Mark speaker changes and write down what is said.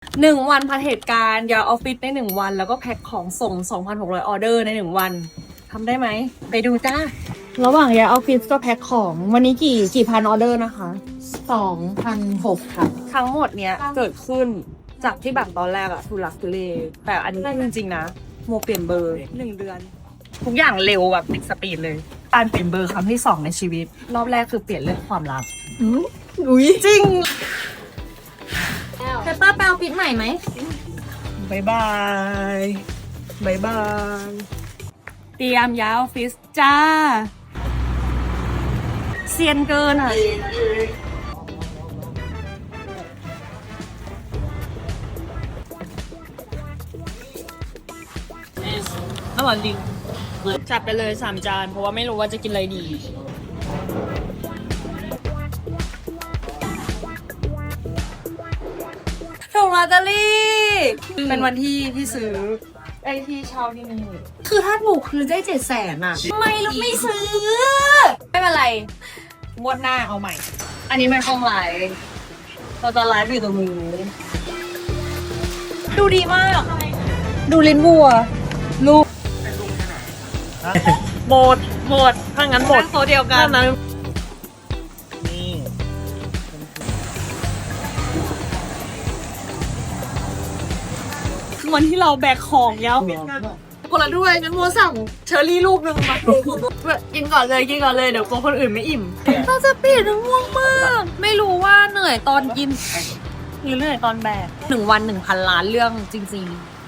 Speaker 1: 1 วันพันเหตุการณ์ย้ายออฟฟิศใน1 วันแล้วก็แพ็คของส่ง 2,600 ออเดอร์ใน1 วันทำได้ไหมไปดูจ้าระหว่างย้ายออฟฟิศก็แพ็คของวันนี้กี่พันออเดอร์นะคะ
Speaker 2: 2,600 ค่ะ
Speaker 1: ทั้งหมดเนี้ยเกิดขึ้นจากที่แบบตอนแรกอะทุลักทุเลแต่อันนี้จริงๆนะโมเปลี่ยนเบอร์1 เดือน ทุกอย่างเร็วแบบติดสปีดเลยการเปลี่ยนเบอร์ครั้งที่ 2ในชีวิตรอบแรกคือเปลี่ยนเรื่องความลับ
Speaker 2: อุ้ย
Speaker 1: จริง
Speaker 2: เปเปอร์แปลปิดใหม่ไหม
Speaker 1: บายบายบายบายเตรียมย้ายออฟฟิศจ้าเซียนเกินอ่ะอร่อยจริงจัดไปเลย3 จานเพราะว่าไม่รู้ว่าจะกินอะไรดีถูกลอตเตอรี่เป็นวันที่พี่ซื้อไอ้ที่เช่าที่นี่คือถ้าถูกคือได้700,000อ่ะไม่ลูกไม่ซื้อ ไม่เป็นไร งวดหน้าเอาใหม่ อันนี้ไม่ต้องไลฟ์เราจะไลฟ์อยู่ตรงนี้ดูดีมาก ดูลิ้นวัว ลูกหมดถ้างั้นหมดโซเดียวกันนะวันที่เราแบกของยาวปิดกันคนละด้วยงั้นโมสั่งเชอร์รี่ลูกหนึ่งมากินก่อนเลยเดี๋ยวกลัวคนอื่นไม่อิ่มเราจะปิดง่วงมากไม่รู้ว่าเหนื่อยตอนกินหรือเหนื่อยตอนแบก1 วัน 1,000 ล้านเรื่องจริงๆ